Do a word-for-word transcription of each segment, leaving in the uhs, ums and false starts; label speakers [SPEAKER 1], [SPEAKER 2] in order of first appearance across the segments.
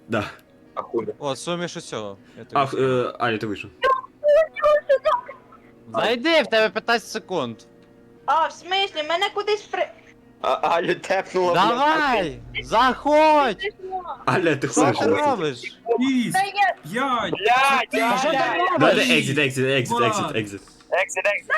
[SPEAKER 1] Да.
[SPEAKER 2] А хули?
[SPEAKER 3] О, суміш усього. Я тобі
[SPEAKER 1] А,
[SPEAKER 3] скажу.
[SPEAKER 1] е, Аля, ти вийшов.
[SPEAKER 3] Зайди, в тебе п'ятнадцять секунд.
[SPEAKER 4] А, в смислі, мене кудись при...
[SPEAKER 2] А, Алю тепнула, блядь.
[SPEAKER 3] Давай! Заходь!
[SPEAKER 1] Аля, ти
[SPEAKER 3] Що
[SPEAKER 1] хочеш?
[SPEAKER 3] ти робиш?
[SPEAKER 5] Шість,
[SPEAKER 4] Та я...
[SPEAKER 5] п'ять,
[SPEAKER 2] Блядь,
[SPEAKER 3] А що ти
[SPEAKER 2] блядь.
[SPEAKER 3] робиш?
[SPEAKER 1] Давай, екзит, екзит, екзит, екзит, екзит.
[SPEAKER 2] Exit, exit.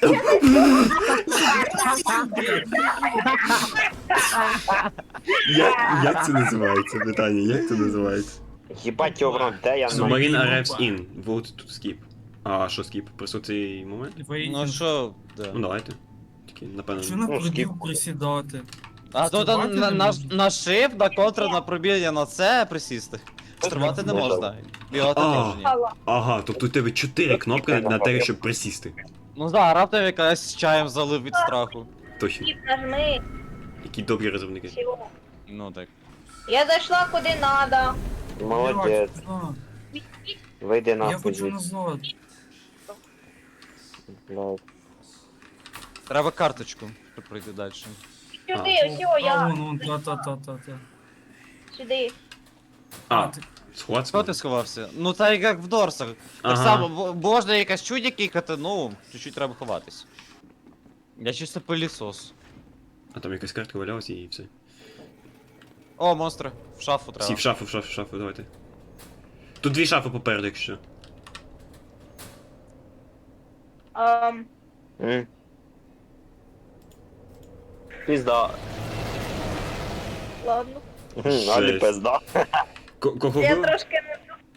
[SPEAKER 1] Як, як це називається питання? Як це називається?
[SPEAKER 2] Їбать його в рот, де я нахуй?
[SPEAKER 1] Submarine arrives in. Vote to skip. А що skip? Просто цей момент?
[SPEAKER 3] Ну що,
[SPEAKER 1] Ну
[SPEAKER 3] да.
[SPEAKER 1] давайте. Тільки,
[SPEAKER 5] Що
[SPEAKER 1] напевно.
[SPEAKER 5] на
[SPEAKER 2] Ну,
[SPEAKER 5] пробіг
[SPEAKER 2] скіп.
[SPEAKER 5] присідати?
[SPEAKER 3] А то
[SPEAKER 5] Стрибати
[SPEAKER 3] там на,
[SPEAKER 5] не
[SPEAKER 3] на,
[SPEAKER 5] можна?
[SPEAKER 3] на shift, на контр, на пробіження, на це присісти. Стрибати не можна. Бігати
[SPEAKER 1] А.
[SPEAKER 3] теж ні.
[SPEAKER 1] Ага, тобто у тебе чотири кнопки на те, щоб присісти.
[SPEAKER 3] Ну да, раптом якась з чаєм залив від страху.
[SPEAKER 1] Точно.
[SPEAKER 4] Тіп, нажми.
[SPEAKER 1] Які добрі розробники.
[SPEAKER 4] Всього.
[SPEAKER 3] Ну так.
[SPEAKER 4] Я зайшла куди надо.
[SPEAKER 2] Молодець.
[SPEAKER 5] Блядь, да.
[SPEAKER 2] Вийди
[SPEAKER 5] Я
[SPEAKER 2] нахуй
[SPEAKER 5] хочу
[SPEAKER 2] звідси.
[SPEAKER 5] назад.
[SPEAKER 2] Блядь.
[SPEAKER 3] Треба карточку, щоб пройти далі.
[SPEAKER 4] Сюди, ось
[SPEAKER 5] А,
[SPEAKER 4] я.
[SPEAKER 5] вон, вон, та-та-та-та-та.
[SPEAKER 4] Сюди.
[SPEAKER 1] А,
[SPEAKER 5] ти-
[SPEAKER 1] схват
[SPEAKER 3] Хто ти сховався? Ну так як в Дорсах. Так
[SPEAKER 1] Ага.
[SPEAKER 3] само, бо- можна якась чудя кікати, ну, чуть-чуть треба ховатись. Я чисто пилісос.
[SPEAKER 1] А там якась картка валялася і все.
[SPEAKER 3] О, монстри, в шафу треба.
[SPEAKER 1] Всі в шафу, в шафу, в шафу, давайте. Тут дві шафи попереду, якщо.
[SPEAKER 4] Ем,
[SPEAKER 2] М. Пізда.
[SPEAKER 4] ладно.
[SPEAKER 2] Мгм, Алі
[SPEAKER 1] Жесть.
[SPEAKER 2] пизда.
[SPEAKER 1] Ко- Кого
[SPEAKER 4] Я
[SPEAKER 1] ви?
[SPEAKER 4] трошки не...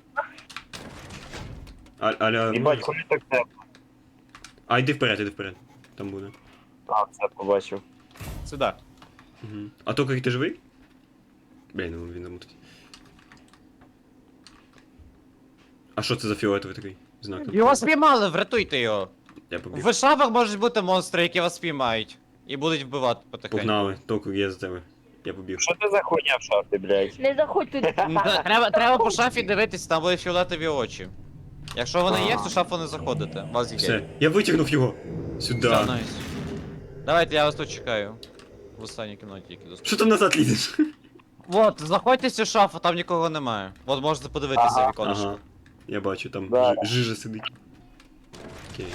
[SPEAKER 1] А- Аля,
[SPEAKER 2] Їбать, хули так тепло.
[SPEAKER 1] а йди вперед, йди вперед. Там буде.
[SPEAKER 2] А, все побачив.
[SPEAKER 3] Сюди.
[SPEAKER 1] Угу. А то, як ти живий? Блін, ну він замутить. А що це за фіолетовий такий знак?
[SPEAKER 3] Його спіймали, врятуйте його.
[SPEAKER 1] Я побіг.
[SPEAKER 3] В шафах можуть бути монстри, які вас спіймають. І будуть вбивати потихеньку.
[SPEAKER 1] Погнали, току є за тебе. Я побіг.
[SPEAKER 2] Що ти за хуйня в шафі, блядь?
[SPEAKER 4] Не заходь туди.
[SPEAKER 3] М, та- Треба, треба по шафі дивитись, там були фіолетові очі. Якщо вони є, в цю шафу не заходите. Вас є.
[SPEAKER 1] Все, я витягнув його. Сюди.
[SPEAKER 3] Все, найс. Давайте, я вас тут чекаю. В останній кімнаті, які доступні.
[SPEAKER 1] Що там назад лізеш?
[SPEAKER 3] Вот, заходьте в цю шафу, там нікого немає. От можете подивитися
[SPEAKER 2] Ага.
[SPEAKER 3] віконечко.
[SPEAKER 1] Ага. Я бачу, там
[SPEAKER 2] Да.
[SPEAKER 1] жи- жижа сидить. Окей.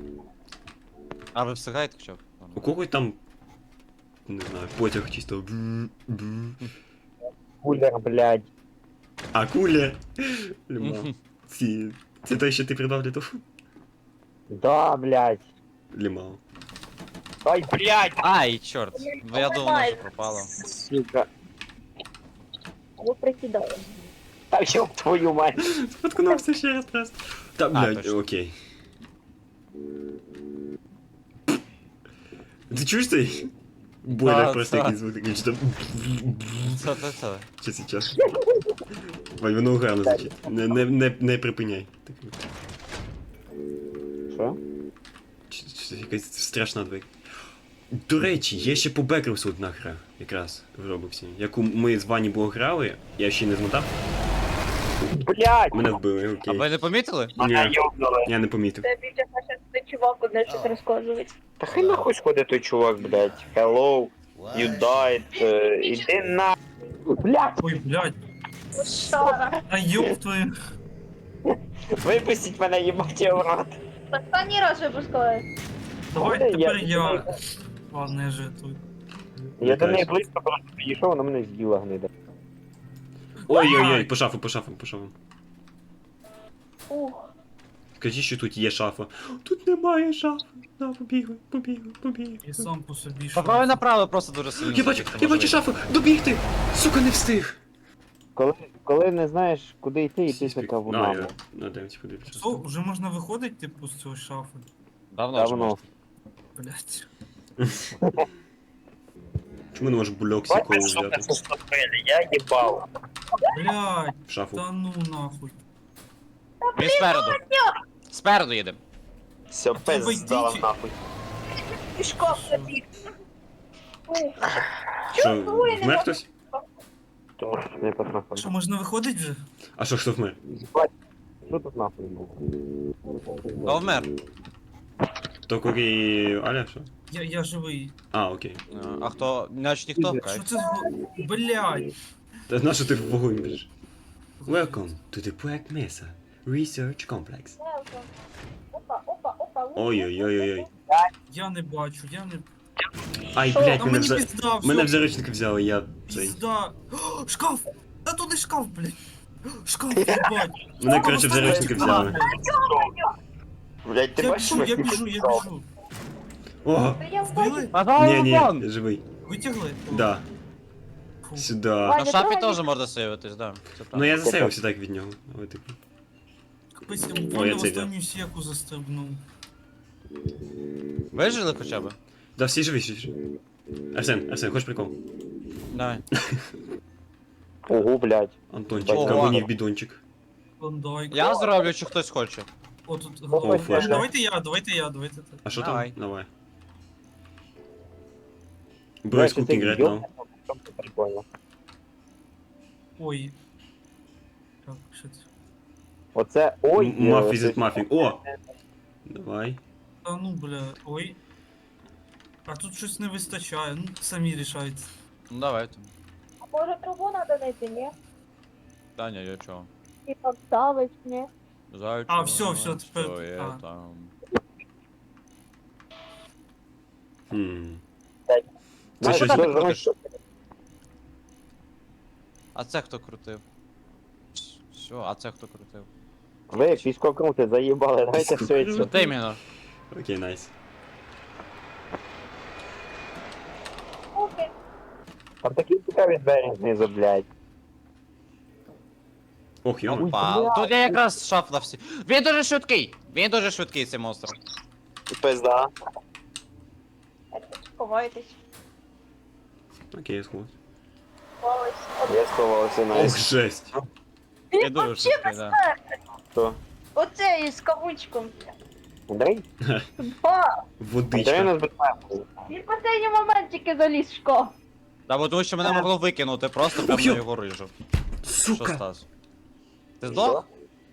[SPEAKER 3] А ви встигаєте хоча б?
[SPEAKER 1] У когось там. Не знаю, потяг чисто. бу- бу.
[SPEAKER 2] Кулер, блядь.
[SPEAKER 1] А куля. Люма.
[SPEAKER 3] Мгм.
[SPEAKER 1] Ці. Це те, що ти придав для того?
[SPEAKER 2] Да, блядь.
[SPEAKER 1] Лімал.
[SPEAKER 2] Ай, блядь.
[SPEAKER 3] Ай, чорт. Ну я думав, вона вже пропала.
[SPEAKER 2] Сука.
[SPEAKER 4] Ви присідали.
[SPEAKER 2] Та ёб твою мать.
[SPEAKER 1] Споткнувся ще раз раз. Та, блядь,
[SPEAKER 3] точно.
[SPEAKER 1] окей. Ти чуєш цей? Бойлер
[SPEAKER 3] Так,
[SPEAKER 1] просто
[SPEAKER 3] так.
[SPEAKER 1] якийсь звук такий, чи там.
[SPEAKER 3] Це, це, це.
[SPEAKER 1] Що сейчас? Вань, воно гарно звучить. Не, не, не, не припиняй. Так,
[SPEAKER 2] Що?
[SPEAKER 1] чи- чи- якась страшна двері. До речі, є ще по Бекерсу одна гра, якраз в Робоксі, яку ми з Вані Бог грали, я ще не змотав,
[SPEAKER 2] Блядь.
[SPEAKER 1] мене вбили,
[SPEAKER 3] А
[SPEAKER 1] окей.
[SPEAKER 3] ви не помітили?
[SPEAKER 2] Мене
[SPEAKER 1] Ні,
[SPEAKER 2] ёбнули.
[SPEAKER 1] я не помітив.
[SPEAKER 4] Це більше наше цей чувак одне щось розказує.
[SPEAKER 2] Та хай нахуй сходить той чувак, блядь. Hello, you died. е, Іди на... Блядь,
[SPEAKER 5] Ой, блядь.
[SPEAKER 4] Шара.
[SPEAKER 5] А ёб твою.
[SPEAKER 2] випустіть мене, їбать я в рот.
[SPEAKER 4] Останній раз випускаю.
[SPEAKER 5] Давай
[SPEAKER 2] Ой,
[SPEAKER 5] тепер
[SPEAKER 2] я-
[SPEAKER 5] я. Ладно, я жартую.
[SPEAKER 2] Я до неї близько просто підійшов, вона мене з'їла гнида.
[SPEAKER 1] Ой-ой-ой, по шафу, по шафу, по шафу.
[SPEAKER 4] Ух.
[SPEAKER 1] Скажи, що тут є шафа. Тут немає шафи. На, побігли, побігли, побігли.
[SPEAKER 5] Я сам по собі
[SPEAKER 3] Поправи направо просто дуже сильно.
[SPEAKER 1] Я бачу,
[SPEAKER 3] забігти,
[SPEAKER 1] я бачу
[SPEAKER 3] можливо.
[SPEAKER 1] шафу! Добігти! Сука, не встиг!
[SPEAKER 2] Коли, коли не знаєш, куди йти, йти за
[SPEAKER 1] На,
[SPEAKER 2] кавунами.
[SPEAKER 1] я на дев'ять подивлюся.
[SPEAKER 5] Що, вже можна виходити, типу, з цього шафи?
[SPEAKER 3] Давно вже
[SPEAKER 2] Давно.
[SPEAKER 3] можна.
[SPEAKER 5] Блядь.
[SPEAKER 1] Чому не можеш бульок сікоу
[SPEAKER 2] Бачиш, що
[SPEAKER 1] взяти
[SPEAKER 2] це стопили, я їбав.
[SPEAKER 5] Блядь,
[SPEAKER 1] в шафу?
[SPEAKER 5] та ну нахуй.
[SPEAKER 3] Він спереду. Спереду їде.
[SPEAKER 2] Все, пиз
[SPEAKER 5] вийди,
[SPEAKER 2] здала
[SPEAKER 5] чи-
[SPEAKER 2] нахуй.
[SPEAKER 4] Пішком забіг. Ух.
[SPEAKER 1] Що,
[SPEAKER 4] Чого я не
[SPEAKER 1] вмер
[SPEAKER 4] можу?
[SPEAKER 1] хтось?
[SPEAKER 2] То не потрапив.
[SPEAKER 5] Що, можна виходити вже?
[SPEAKER 1] А що, хто вмер?
[SPEAKER 2] Що тут нахуй було?
[SPEAKER 3] Хто вмер?
[SPEAKER 1] То і Аля, що?
[SPEAKER 5] Я, я живий.
[SPEAKER 1] А, окей.
[SPEAKER 3] А хто? Значить ніхто,
[SPEAKER 5] Що
[SPEAKER 3] кайф.
[SPEAKER 5] це за... Блядь.
[SPEAKER 1] Та на що ти в вогонь біжиш? Welcome to the Black Mesa Research Complex.
[SPEAKER 4] Опа, опа, опа.
[SPEAKER 1] Ой-ой-ой-ой.
[SPEAKER 5] Я не бачу, я не...
[SPEAKER 1] Ай,
[SPEAKER 4] Що?
[SPEAKER 1] блядь,
[SPEAKER 5] Та
[SPEAKER 1] мене
[SPEAKER 5] мені
[SPEAKER 1] в, за...
[SPEAKER 5] пізда, все.
[SPEAKER 1] мене в заручники взяли, я цей.
[SPEAKER 5] Пізда. О, шкаф! Та туди шкаф, блядь. Шкаф, їбать.
[SPEAKER 1] Мене, коротше, в
[SPEAKER 5] Там
[SPEAKER 1] заручники
[SPEAKER 5] останній
[SPEAKER 1] взяли.
[SPEAKER 5] шкаф.
[SPEAKER 2] Блядь, ти
[SPEAKER 5] Я
[SPEAKER 2] бачиш,
[SPEAKER 5] біжу, я
[SPEAKER 2] як
[SPEAKER 5] біжу, я біжу.
[SPEAKER 1] О!
[SPEAKER 4] Я
[SPEAKER 5] Вбили?
[SPEAKER 3] Пожалуйста,
[SPEAKER 1] Ні,
[SPEAKER 3] вон!
[SPEAKER 1] ні, я живий.
[SPEAKER 5] Витягли?
[SPEAKER 1] Да.
[SPEAKER 5] Фу.
[SPEAKER 1] Сюда.
[SPEAKER 3] На шафі теж можна сейвитись, да. Це
[SPEAKER 1] Ну
[SPEAKER 3] правда.
[SPEAKER 1] я засейвився так від нього. Але типу.
[SPEAKER 5] Капець, я
[SPEAKER 1] Ой, я
[SPEAKER 5] буквально в
[SPEAKER 1] це
[SPEAKER 5] останню сіку застрибнув.
[SPEAKER 3] Вижили хоча б?
[SPEAKER 1] Да, всі живі, всі живі. Арсен, Арсен, хочеш прикол?
[SPEAKER 3] Давай.
[SPEAKER 2] Ого, блядь.
[SPEAKER 1] Антончик,
[SPEAKER 3] Ого.
[SPEAKER 1] кавунів бідончик.
[SPEAKER 5] Клондайк.
[SPEAKER 3] Я зроблю, чи хтось хоче.
[SPEAKER 5] О, тут
[SPEAKER 1] О,
[SPEAKER 5] голова.
[SPEAKER 1] флешка.
[SPEAKER 5] Давайте я, давайте я, давайте ти.
[SPEAKER 1] А що
[SPEAKER 3] Давай.
[SPEAKER 1] там? Давай. Bro is cooking right now.
[SPEAKER 2] Прикольно.
[SPEAKER 5] Ой. Так, що це?
[SPEAKER 2] Оце, ой.
[SPEAKER 1] М- Muff
[SPEAKER 2] е,
[SPEAKER 1] is it muffin. О! Давай.
[SPEAKER 5] Та ну, бля, ой. А тут щось не вистачає, ну самі рішайте.
[SPEAKER 3] Ну давайте.
[SPEAKER 4] Може трубу надо знайти, ні?
[SPEAKER 3] Та ні, я чого.
[SPEAKER 4] І подставить, ні?
[SPEAKER 3] Зайчик.
[SPEAKER 5] А, всё, всё, тепер-
[SPEAKER 3] Що є
[SPEAKER 5] а.
[SPEAKER 3] там?
[SPEAKER 1] Хм.
[SPEAKER 2] Це
[SPEAKER 1] Це щось.
[SPEAKER 3] куди ти
[SPEAKER 2] що,
[SPEAKER 3] крутиш?
[SPEAKER 2] що?
[SPEAKER 3] А це хто крутив? Все, а це хто крутив?
[SPEAKER 2] Ви як військовокрути заїбали, давайте все
[SPEAKER 3] Що
[SPEAKER 2] це.
[SPEAKER 3] ти іменно?
[SPEAKER 1] Окей, найс.
[SPEAKER 4] Окей.
[SPEAKER 2] Там такі цікаві двері знизу, блядь.
[SPEAKER 1] Ох, йома.
[SPEAKER 3] Опа, тут я якраз шаф на всі. Він дуже швидкий! Він дуже швидкий, цей монстр.
[SPEAKER 2] Пизда.
[SPEAKER 4] Сховайтесь.
[SPEAKER 1] Окей, я сховався.
[SPEAKER 4] Сховались.
[SPEAKER 2] Я сховався на
[SPEAKER 1] Ох, жесть.
[SPEAKER 3] Я
[SPEAKER 4] Він
[SPEAKER 3] дуже
[SPEAKER 4] вообще
[SPEAKER 3] швидкий, да.
[SPEAKER 2] що.
[SPEAKER 4] Оце із кавучком.
[SPEAKER 2] Андрій?
[SPEAKER 4] Ба!
[SPEAKER 2] Андрій
[SPEAKER 1] Водичка.
[SPEAKER 2] нас безпеку.
[SPEAKER 4] Він в останній момент тільки заліз в шкаф.
[SPEAKER 3] Та бо тому що мене могло викинути просто прямо
[SPEAKER 1] Ох,
[SPEAKER 3] на
[SPEAKER 1] йо.
[SPEAKER 3] його рижу. Що
[SPEAKER 1] Сука.
[SPEAKER 3] Стас? Ти здох?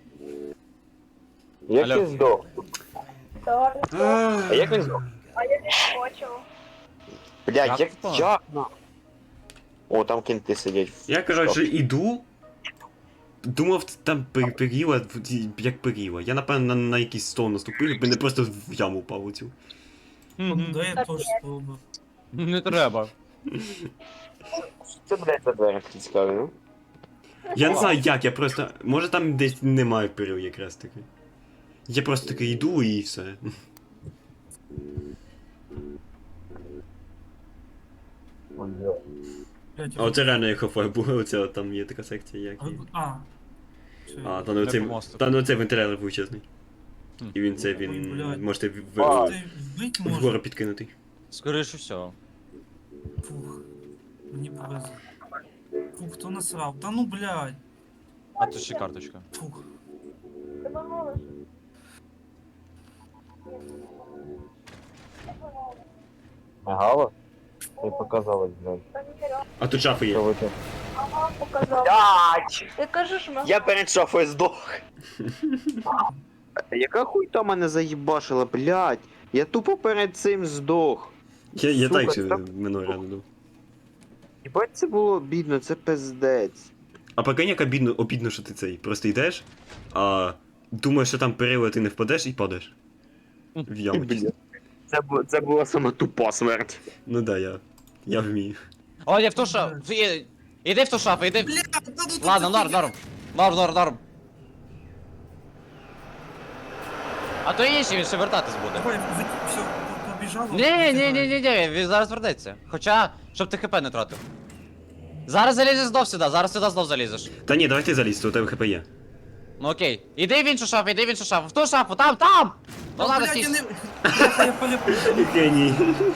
[SPEAKER 2] Як
[SPEAKER 3] Алло.
[SPEAKER 2] ти здох?
[SPEAKER 4] Добре.
[SPEAKER 2] А як він здох?
[SPEAKER 4] А я не хочу.
[SPEAKER 2] Блядь,
[SPEAKER 3] Як
[SPEAKER 2] як
[SPEAKER 3] впав?
[SPEAKER 2] як? О, там кінти сидять.
[SPEAKER 1] Я, коротше, іду. Думав, там пер- періла, в- як періла. Я, напевно, на, на якийсь стол наступив, і мене просто в яму впав оцю.
[SPEAKER 5] Клондайк я теж спробую.
[SPEAKER 3] Не треба.
[SPEAKER 2] Це, блядь, за двері такі цікаві, ну?
[SPEAKER 1] Я не знаю як, я просто. Може там десь немає перил якраз таки. Я просто таки йду і все.
[SPEAKER 5] Блядь,
[SPEAKER 1] А оце реально як Half-Life було, оце там є така секція, як.
[SPEAKER 5] а,
[SPEAKER 1] є.
[SPEAKER 5] а. Все.
[SPEAKER 1] А, там оцей,
[SPEAKER 3] по мосту.
[SPEAKER 1] там оцей вентилятор величезний.
[SPEAKER 3] Хм.
[SPEAKER 1] І він це
[SPEAKER 5] Ой,
[SPEAKER 1] він.
[SPEAKER 5] блядь.
[SPEAKER 1] Можете в,
[SPEAKER 2] А.
[SPEAKER 1] в,
[SPEAKER 5] Ти вбить
[SPEAKER 1] вгору
[SPEAKER 5] може?
[SPEAKER 1] підкинути.
[SPEAKER 3] Скоріше всього.
[SPEAKER 5] Фух. Мені повезло. Фух, хто насрав? Та ну, блядь.
[SPEAKER 3] А тут ще карточка.
[SPEAKER 5] Фух.
[SPEAKER 4] Ти поможеш?
[SPEAKER 2] Мигало? Ти показалось, блядь.
[SPEAKER 4] Та ні, реально.
[SPEAKER 1] А тут шафи
[SPEAKER 2] Що
[SPEAKER 1] є.
[SPEAKER 2] ви тут?
[SPEAKER 4] Ага, показав.
[SPEAKER 2] Блядь!
[SPEAKER 4] Ти кажеш, ми...
[SPEAKER 2] Я перед шафою здох. Яка хуй то мене заїбашила, блядь? Я тупо перед цим здох.
[SPEAKER 1] Я, я
[SPEAKER 2] Сука,
[SPEAKER 1] так ще
[SPEAKER 2] це-
[SPEAKER 1] минулий раз був.
[SPEAKER 2] Єбать, це було бідно, це пиздець.
[SPEAKER 1] А прикинь, як обідно, обідно, що ти цей. Просто йдеш, а думаєш, що там перила, ти не впадеш і падаєш. В яму.
[SPEAKER 2] Блядь. Це, бу- це була сама тупа смерть.
[SPEAKER 1] Ну да, я. Я вмію.
[SPEAKER 3] О, я в ту шафу. Іди- Іди в ту шафу, іди.
[SPEAKER 5] Блядь, та ну тут
[SPEAKER 3] Ладно,
[SPEAKER 5] такі-
[SPEAKER 3] норм, норм. Норм, норм, норм. А то інший, він ще вертатись буде.
[SPEAKER 5] Давай, ви- все, побіжало.
[SPEAKER 3] Ні, ні, ні, ні, ні, він зараз вернеться. Хоча, щоб ти хп не тратив. Зараз залізеш знов сюди, зараз сюди знов залізеш.
[SPEAKER 1] Та ні, давай ти залізь, то у тебе хп є.
[SPEAKER 3] Ну окей. Іди в іншу шафу, іди в іншу шафу. В ту шафу, там, там! Ну
[SPEAKER 5] Та,
[SPEAKER 3] ладно,
[SPEAKER 5] блядь, я
[SPEAKER 3] стій.
[SPEAKER 5] не... Бляха, я полюбив.
[SPEAKER 1] Геній.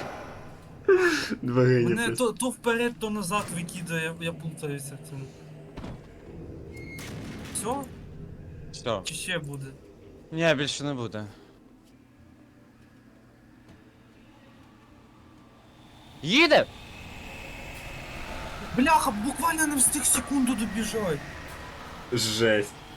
[SPEAKER 1] Два генія
[SPEAKER 5] Мене
[SPEAKER 1] просто.
[SPEAKER 5] то, то вперед, то назад викидає, я, я плутаюся в цьому. Все?
[SPEAKER 3] Все.
[SPEAKER 5] Чи ще буде?
[SPEAKER 3] Ні, більше не буде. Їде!
[SPEAKER 5] Бляха, буквально не встиг секунду добіжать.
[SPEAKER 1] Жесть.